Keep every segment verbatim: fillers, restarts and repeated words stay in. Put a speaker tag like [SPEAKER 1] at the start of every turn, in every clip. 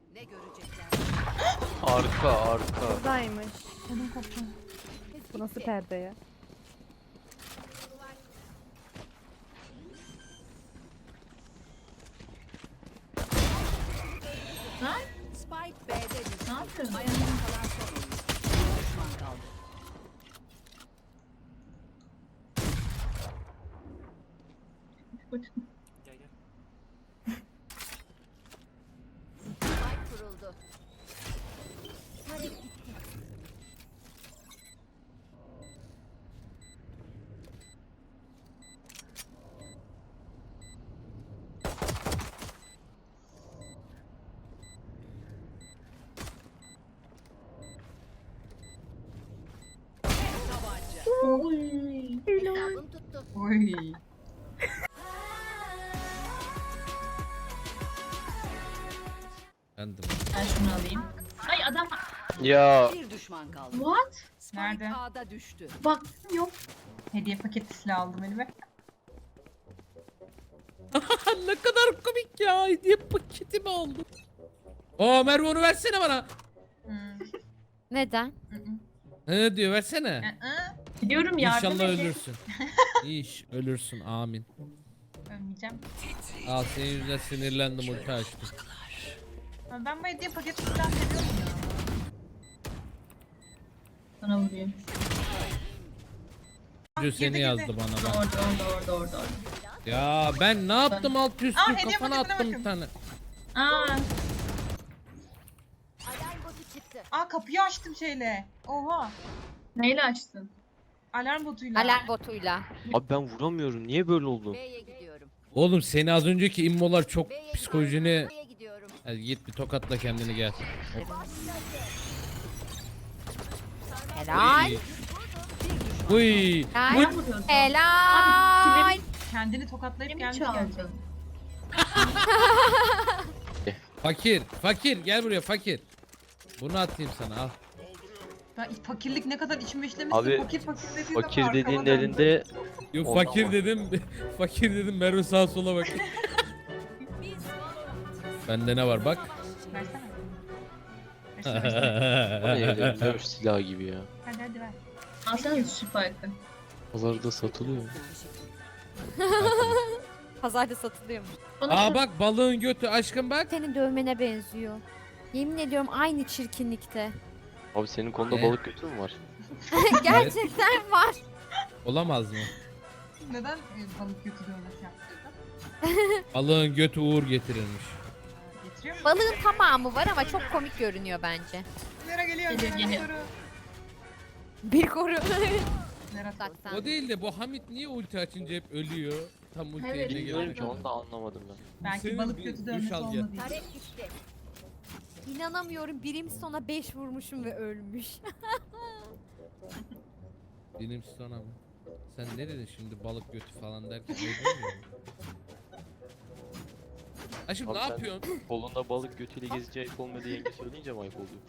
[SPEAKER 1] Ne görecekler?
[SPEAKER 2] Arka arka.
[SPEAKER 3] Buradaymış.
[SPEAKER 4] Ödüm koptu.
[SPEAKER 3] Bu nasıl perde ya?
[SPEAKER 4] Lan
[SPEAKER 1] Spike B'de düştü.
[SPEAKER 4] ne yapıyorsun?
[SPEAKER 1] Ayakta kalan son oyuncu. Bir düşman kaldı. Spike kuruldu. Tabanca.
[SPEAKER 4] Oy.
[SPEAKER 1] Hesabım tuttu.
[SPEAKER 4] Oy.
[SPEAKER 5] Bendim.
[SPEAKER 4] Ben şunu alayım. Ay adam
[SPEAKER 2] Ya
[SPEAKER 1] Bir düşman kaldı.
[SPEAKER 4] what?
[SPEAKER 1] Spike
[SPEAKER 4] Nerede?
[SPEAKER 1] A'da düştü.
[SPEAKER 4] Bak yok. Hediye paketi silah aldım elime.
[SPEAKER 5] Ne kadar komik ya. Hediye paketi mi aldın? Oo Merve onu versene bana.
[SPEAKER 4] Hmm.
[SPEAKER 3] Neden?
[SPEAKER 4] Hı hı.
[SPEAKER 5] Ne diyor versene.
[SPEAKER 4] Hı hı. Gidiyorum yardım
[SPEAKER 5] İnşallah
[SPEAKER 4] edin.
[SPEAKER 5] ölürsün. İş ölürsün amin.
[SPEAKER 4] Ölmeyeceğim.
[SPEAKER 5] Al senin yüzünden sinirlendim ulti açtım.
[SPEAKER 4] Ama ben bu hediye paketi silah seviyorum ya. Sana vurayım.
[SPEAKER 5] Diyor seni
[SPEAKER 4] girdi,
[SPEAKER 5] yazdı
[SPEAKER 4] girdi.
[SPEAKER 5] bana bak.
[SPEAKER 4] Orada orada orada orada orada.
[SPEAKER 5] Ya ben ne yaptım alt üstü
[SPEAKER 4] Aa, hediye
[SPEAKER 5] kafana
[SPEAKER 4] paketine
[SPEAKER 5] attım
[SPEAKER 4] bakın.
[SPEAKER 5] bir tane.
[SPEAKER 4] Aa,
[SPEAKER 1] Alarm botu çıktı.
[SPEAKER 4] aa kapıyı açtım şeyle. Oha. Neyle açtın? Alarm botuyla.
[SPEAKER 3] Alarm botuyla.
[SPEAKER 2] abi ben vuramıyorum. Niye böyle oldu?
[SPEAKER 1] B'ye gidiyorum.
[SPEAKER 5] Oğlum seni az önceki immolar çok
[SPEAKER 1] B'ye
[SPEAKER 5] psikolojini...
[SPEAKER 1] gidiyorum. B'ye gidiyorum.
[SPEAKER 5] Hadi git bir tokatla kendini gel.
[SPEAKER 3] Helal.
[SPEAKER 5] Uy.
[SPEAKER 4] Ben
[SPEAKER 3] Helal.
[SPEAKER 4] vuruyordum.
[SPEAKER 3] Helal.
[SPEAKER 4] Kendini tokatlayıp
[SPEAKER 1] Benim
[SPEAKER 4] kendi
[SPEAKER 1] çaldın.
[SPEAKER 4] gelecek.
[SPEAKER 5] Fakir, fakir gel buraya fakir. Bunu atayım sana al.
[SPEAKER 4] Ben fakirlik ne kadar içime işlemişsin.
[SPEAKER 2] Abi,
[SPEAKER 4] fakir fakir dediğin zaman
[SPEAKER 2] Fakir
[SPEAKER 4] arkama
[SPEAKER 2] dediğin
[SPEAKER 4] döndüm.
[SPEAKER 2] elinde
[SPEAKER 5] Yok
[SPEAKER 2] Ondan
[SPEAKER 5] fakir
[SPEAKER 2] var.
[SPEAKER 5] dedim. Fakir dedim Merve sağa sola bak. Bende ne var bak.
[SPEAKER 4] Versene. Versene, versene.
[SPEAKER 2] o ne öyle dövüş silahı gibi ya.
[SPEAKER 4] Hadi hadi ver.
[SPEAKER 6] Alsana şu farkı.
[SPEAKER 2] Pazarda satılıyor.
[SPEAKER 3] Pazarda satılıyormuş.
[SPEAKER 6] Bana
[SPEAKER 5] Aa
[SPEAKER 6] şu-
[SPEAKER 5] bak balığın götü aşkım bak.
[SPEAKER 3] Senin dövmene benziyor. Yemin ediyorum aynı çirkinlikte.
[SPEAKER 2] Abi senin konuda
[SPEAKER 5] Ne?
[SPEAKER 2] balık götü mü var?
[SPEAKER 3] Gerçekten var.
[SPEAKER 5] Olamaz mı?
[SPEAKER 4] Neden e, balık götü dövmesi yaptırdın?
[SPEAKER 5] Balığın götü uğur getirilmiş.
[SPEAKER 4] Ee, Getiriyor musun?
[SPEAKER 3] Balığın tamamı var ama çok komik görünüyor bence.
[SPEAKER 4] Nere geliyor?
[SPEAKER 6] Geliyor,
[SPEAKER 4] Nere
[SPEAKER 6] geliyor.
[SPEAKER 4] geliyor?
[SPEAKER 3] Bir koru.
[SPEAKER 4] Nere
[SPEAKER 3] Bak sen.
[SPEAKER 5] O değil de bu Hamit niye ulti açınca hep ölüyor? Tam ulti
[SPEAKER 6] Evet.
[SPEAKER 5] eline
[SPEAKER 2] Bilmiyorum
[SPEAKER 5] geldi.
[SPEAKER 2] ki onu da anlamadım ben.
[SPEAKER 4] Belki
[SPEAKER 5] Senin
[SPEAKER 4] balık
[SPEAKER 5] bir
[SPEAKER 4] götü
[SPEAKER 5] duş
[SPEAKER 4] dövmesi
[SPEAKER 5] al gel.
[SPEAKER 4] olmadı.
[SPEAKER 1] Tarek gitti.
[SPEAKER 3] İnanamıyorum birim sona beş vurmuşum ve ölmüş.
[SPEAKER 5] Benim sana mı? Sen ne dedin şimdi balık götü falan derken ne demiyor Aşkım
[SPEAKER 2] Abi
[SPEAKER 5] ne
[SPEAKER 2] sen-
[SPEAKER 5] yapıyorsun?
[SPEAKER 2] Kolunda balık götüyle gezince ayıp olmadı yenge söyleyince mi ayıp oluyor?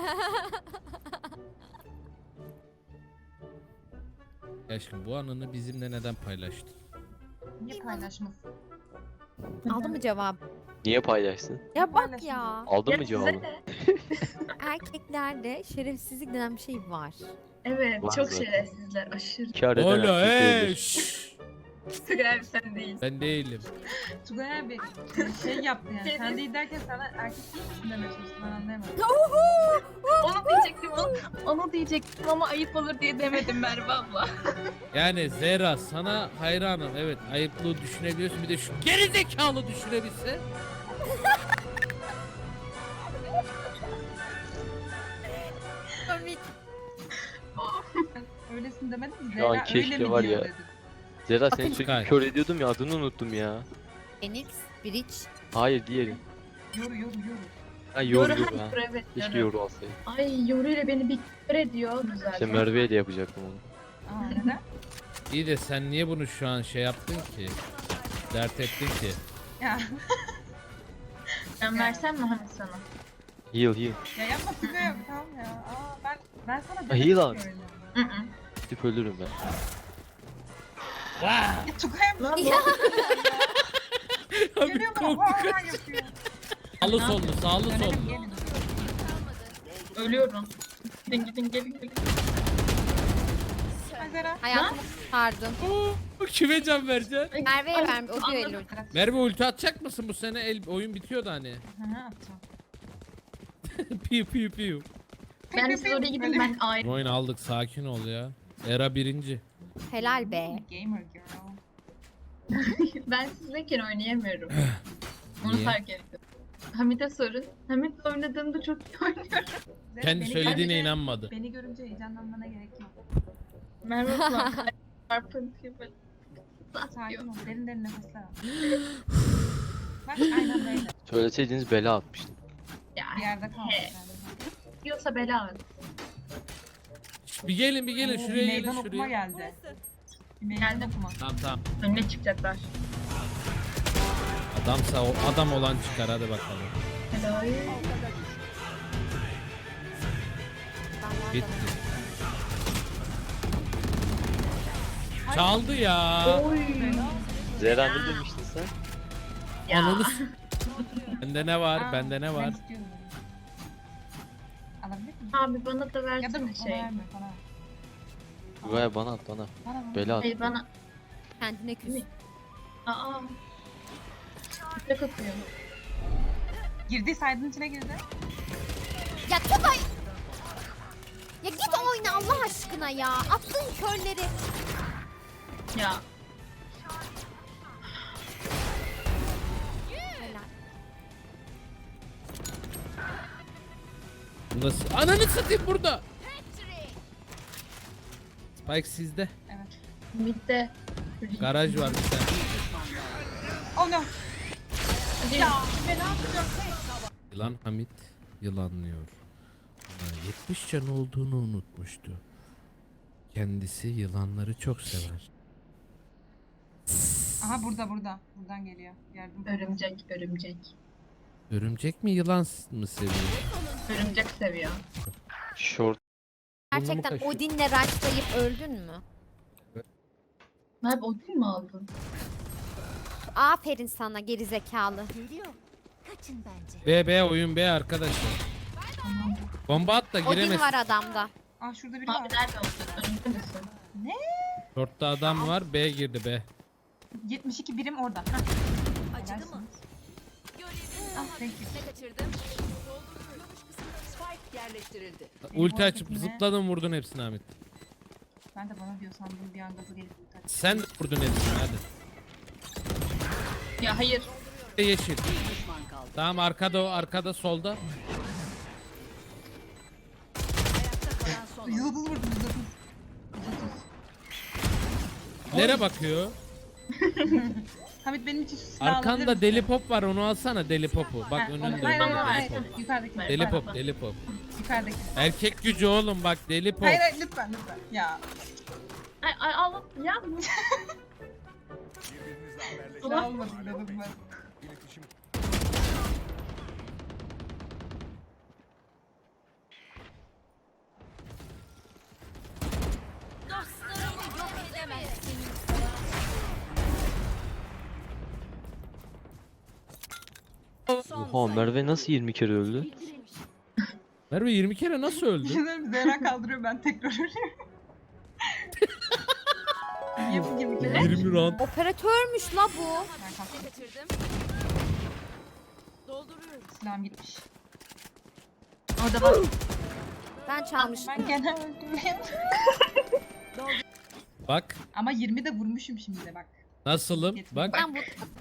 [SPEAKER 5] Ya aşkım bu anını bizimle neden paylaştın?
[SPEAKER 4] Niye paylaşmasın?
[SPEAKER 3] Aldın mı cevap?
[SPEAKER 2] Niye paylaşsın?
[SPEAKER 3] Ya bak
[SPEAKER 4] Paylaşın.
[SPEAKER 3] ya.
[SPEAKER 2] Aldın
[SPEAKER 6] Ya
[SPEAKER 2] mı
[SPEAKER 6] size
[SPEAKER 2] cevabını?
[SPEAKER 6] ne?
[SPEAKER 3] Erkeklerde şerefsizlik denen bir şey var.
[SPEAKER 6] Evet
[SPEAKER 2] Var
[SPEAKER 6] çok
[SPEAKER 2] zaten.
[SPEAKER 6] şerefsizler aşırı.
[SPEAKER 2] Kâr eden
[SPEAKER 5] Hala
[SPEAKER 2] erkek
[SPEAKER 5] eee
[SPEAKER 2] öldür.
[SPEAKER 5] şşş.
[SPEAKER 6] Tugay abi sen değil.
[SPEAKER 5] Ben değilim.
[SPEAKER 4] Tugay abi şey yaptı yani.
[SPEAKER 6] Şey
[SPEAKER 4] Sen değil derken sana erkek değil misin demeye çalıştım. Ben anlayamadım.
[SPEAKER 6] Onu diyecektim onu, onu diyecektim ama ayıp olur diye demedim Merve abla.
[SPEAKER 5] Yani Zehra sana hayranım. Evet ayıplığı düşünebiliyorsun. Bir de şu geri zekalı düşünebilse.
[SPEAKER 3] Komik.
[SPEAKER 4] Öylesin demedim mi?
[SPEAKER 2] Şu an
[SPEAKER 4] Zehra öyle
[SPEAKER 2] keşke
[SPEAKER 4] mi
[SPEAKER 2] var
[SPEAKER 4] diyor
[SPEAKER 2] ya.
[SPEAKER 4] dedim.
[SPEAKER 2] Zera
[SPEAKER 3] Bakın
[SPEAKER 2] seni sürekli
[SPEAKER 5] Sky.
[SPEAKER 2] kör ediyordum ya adını unuttum ya.
[SPEAKER 3] Phoenix, Bridge.
[SPEAKER 2] Hayır diğeri.
[SPEAKER 4] Yoru yoru yoru.
[SPEAKER 2] Ha yoru
[SPEAKER 6] Yoru
[SPEAKER 2] yoru ha.
[SPEAKER 6] hayır evet.
[SPEAKER 2] Keşke
[SPEAKER 6] Yoru.
[SPEAKER 2] yoru alsaydım.
[SPEAKER 6] Ay Yoru ile beni bir kör ediyor. Güzel.
[SPEAKER 2] İşte Merve'ye de yapacaktım onu.
[SPEAKER 4] Aa neden?
[SPEAKER 5] İyi de sen niye bunu şu an şey yaptın ki? Dert ettin ki.
[SPEAKER 4] Ya,
[SPEAKER 6] Ben versem mi Hamit sana?
[SPEAKER 2] Heal heal.
[SPEAKER 4] ya yapma Tugay abi tamam ya. Aa ben ben sana
[SPEAKER 2] iyi
[SPEAKER 4] dedim
[SPEAKER 2] lan.
[SPEAKER 4] ki öyle.
[SPEAKER 6] Hı hı.
[SPEAKER 2] Gidip ölürüm ben.
[SPEAKER 4] Ya Tugay abi
[SPEAKER 6] Lan ne oldu?
[SPEAKER 4] geliyor bana
[SPEAKER 5] korktuk.
[SPEAKER 4] vaa yapıyor.
[SPEAKER 5] Sağlı sollu, sağlı sollu.
[SPEAKER 4] Dönelim gelin.
[SPEAKER 6] Ölüyorum. Gidin gidin gelin gelin.
[SPEAKER 4] Ay Zera.
[SPEAKER 3] Hayatımı pardon.
[SPEAKER 5] Oo, kime can vereceksin?
[SPEAKER 3] Merve'ye
[SPEAKER 6] Ay,
[SPEAKER 3] verme. O
[SPEAKER 6] anladım.
[SPEAKER 3] düello.
[SPEAKER 5] Merve ulti atacak mısın bu sene? El, oyun bitiyordu hani.
[SPEAKER 4] Hı hı atacağım.
[SPEAKER 5] piu piu piu.
[SPEAKER 6] Ben siz oraya gidin ben ayrı.
[SPEAKER 5] Oyun aldık, sakin ol ya. Era birinci.
[SPEAKER 3] Helal be.
[SPEAKER 4] Gamer girl.
[SPEAKER 6] Ben sizdeyken oynayamıyorum. Onu
[SPEAKER 5] Niye?
[SPEAKER 6] fark ettim. Hamit'e sorun. Hamit'le oynadığımda çok iyi oynuyorum.
[SPEAKER 4] Zera,
[SPEAKER 5] Kendi
[SPEAKER 4] beni
[SPEAKER 5] söylediğine
[SPEAKER 4] görünce-
[SPEAKER 5] inanmadı.
[SPEAKER 4] Beni görünce heyecanlanmana gerek yok.
[SPEAKER 6] Merve falan çarpıntıyı böyle.
[SPEAKER 4] Sakin ol. Derin derin nefesler al. Bak aynen böyle.
[SPEAKER 2] Söyleseydiniz bela atmıştım.
[SPEAKER 6] Ya
[SPEAKER 4] Bir yerde kalmış
[SPEAKER 6] He.
[SPEAKER 4] herhalde.
[SPEAKER 6] yiyorsa bela at.
[SPEAKER 5] Şş, bir gelin bir gelin
[SPEAKER 4] Oo,
[SPEAKER 5] şuraya
[SPEAKER 4] bir
[SPEAKER 5] gelin
[SPEAKER 4] meydan okuma
[SPEAKER 5] şuraya.
[SPEAKER 4] geldi. Bir meydan
[SPEAKER 6] Geldim.
[SPEAKER 4] okuma.
[SPEAKER 5] Tamam tamam.
[SPEAKER 6] Önüne çıkacaklar.
[SPEAKER 5] Adamsa o adam olan çıkar hadi bakalım.
[SPEAKER 6] Helal.
[SPEAKER 5] Bitti. Çaldı ya.
[SPEAKER 6] Oy.
[SPEAKER 2] Zehra ne demiştin sen?
[SPEAKER 6] Ya.
[SPEAKER 5] Ananı s- Bende ne var?
[SPEAKER 4] Aa,
[SPEAKER 5] Bende ne
[SPEAKER 4] ben
[SPEAKER 5] var?
[SPEAKER 4] istiyorum bunu. Alabilir miyim?
[SPEAKER 6] Abi bana da
[SPEAKER 4] Ya da
[SPEAKER 6] versene
[SPEAKER 4] bana
[SPEAKER 6] şey.
[SPEAKER 4] verme bana.
[SPEAKER 2] Güvaya bana at bana.
[SPEAKER 4] Bana bana.
[SPEAKER 2] Bela at.
[SPEAKER 6] Hayır bana.
[SPEAKER 3] Kendine küs.
[SPEAKER 6] Aa. Tek atıyor.
[SPEAKER 4] Girdi saydın içine girdi.
[SPEAKER 3] Ya Tugay. Ya git oyna Allah aşkına ya. Attığın körleri.
[SPEAKER 6] Ya.
[SPEAKER 3] Helal.
[SPEAKER 5] Nasıl? Ananı satayım burada. Spike sizde.
[SPEAKER 4] Evet.
[SPEAKER 6] Mid'de.
[SPEAKER 5] Garaj var bir tane.
[SPEAKER 4] Oh no.
[SPEAKER 6] Ya.
[SPEAKER 5] Yılan Hamit yılanlıyor. Ama yetmiş can olduğunu unutmuştu. Kendisi yılanları çok sever.
[SPEAKER 4] Aha burada burada. Buradan geliyor. Yardım.
[SPEAKER 6] Örümcek, örümcek.
[SPEAKER 5] Örümcek mi yılan s- mı seviyor?
[SPEAKER 6] Örümcek seviyor.
[SPEAKER 2] Short.
[SPEAKER 3] Gerçekten
[SPEAKER 5] kaşıyor?
[SPEAKER 3] Odin'le rushlayıp öldün mü?
[SPEAKER 6] Merve Odin mi aldın?
[SPEAKER 3] Aferin sana geri zekalı.
[SPEAKER 1] Geliyor. Kaçın bence.
[SPEAKER 5] B B oyun B arkadaşlar. Bomba at da
[SPEAKER 3] Odin
[SPEAKER 5] giremez.
[SPEAKER 3] var adamda.
[SPEAKER 4] Aa şurada biri
[SPEAKER 6] Abi
[SPEAKER 4] var.
[SPEAKER 6] nerede oldun? Önünde misin?
[SPEAKER 5] Short'ta adam var. B girdi B.
[SPEAKER 4] yetmiş iki birim orada. Hah.
[SPEAKER 1] Acıdı mı?
[SPEAKER 4] Helalsiniz. Ah thank you.
[SPEAKER 1] Ne kaçırdım? Spike yerleştirildi.
[SPEAKER 5] Ulti açıp
[SPEAKER 4] hareketine-
[SPEAKER 5] zıpladın vurdun hepsini Hamit.
[SPEAKER 4] Ben de bana diyor sandım bir an gaza gelip ulti açtım.
[SPEAKER 5] Sen de vurdun hepsini hadi.
[SPEAKER 6] Ya hayır.
[SPEAKER 5] Yeşil.
[SPEAKER 1] Düşman kaldı.
[SPEAKER 5] Tamam arkada o arkada solda.
[SPEAKER 1] Ayakta kalan son.
[SPEAKER 4] yüz otuz vurdum yüz otuz. yüz otuz.
[SPEAKER 5] Nereye bakıyor?
[SPEAKER 4] Hamit benim için şu silahı alabilir
[SPEAKER 5] Arkanda
[SPEAKER 4] misin?
[SPEAKER 5] deli pop var onu alsana deli popu. Bak
[SPEAKER 4] Ha, onu-
[SPEAKER 5] önünde
[SPEAKER 4] Hayır hayır
[SPEAKER 5] önünde
[SPEAKER 4] hayır.
[SPEAKER 5] deli pop.
[SPEAKER 4] Yukarıdaki.
[SPEAKER 5] Deli
[SPEAKER 6] Pardon.
[SPEAKER 5] pop deli pop.
[SPEAKER 4] Yukarıdaki.
[SPEAKER 5] Erkek gücü oğlum bak deli pop.
[SPEAKER 4] Hayır hayır lütfen lütfen. Ya.
[SPEAKER 6] Ay ay al. Ya.
[SPEAKER 4] Silah olmadı dedim ben.
[SPEAKER 1] Dostlarımı yok edemezsin.
[SPEAKER 2] Oha Merve nasıl yirmi kere öldü?
[SPEAKER 5] Merve yirmi kere nasıl öldü?
[SPEAKER 4] Düşünsene Zehra kaldırıyor ben tekrar ölüyorum. Niye bu gibi kere?
[SPEAKER 5] yirmi round.
[SPEAKER 3] Operatörmüş la bu.
[SPEAKER 4] Ben kalktım.
[SPEAKER 1] Ne kaçırdım? Dolduruyorum.
[SPEAKER 4] Silahım gitmiş.
[SPEAKER 6] Orada bak.
[SPEAKER 3] Ben çalmışım.
[SPEAKER 4] Ben gene öldüm.
[SPEAKER 5] Bak
[SPEAKER 4] Ama yirmi de vurmuşum şimdi de bak.
[SPEAKER 5] nasılım bak.
[SPEAKER 3] Ben bu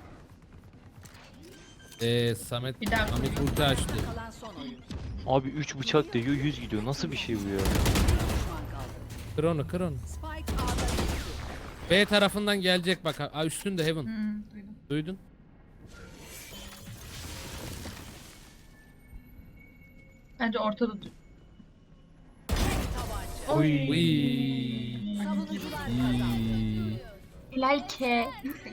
[SPEAKER 5] Eee Samet
[SPEAKER 6] Bir daha
[SPEAKER 5] Hamit ulti açtı.
[SPEAKER 1] Kalan son oyun.
[SPEAKER 2] Abi üç bıçak değiyor yüz gidiyor. Nasıl bir şey bu ya?
[SPEAKER 1] Düşman kaldı.
[SPEAKER 5] Kır onu kır onu.
[SPEAKER 1] Spike A'da düştü.
[SPEAKER 5] B tarafından gelecek bak. Aa, üstünde Heaven.
[SPEAKER 4] Hı, duydum.
[SPEAKER 5] Duydun?
[SPEAKER 6] Bence ortada dur.
[SPEAKER 5] Uy.
[SPEAKER 1] Savunucular kazandı.
[SPEAKER 5] İyi.
[SPEAKER 6] Hilal ke.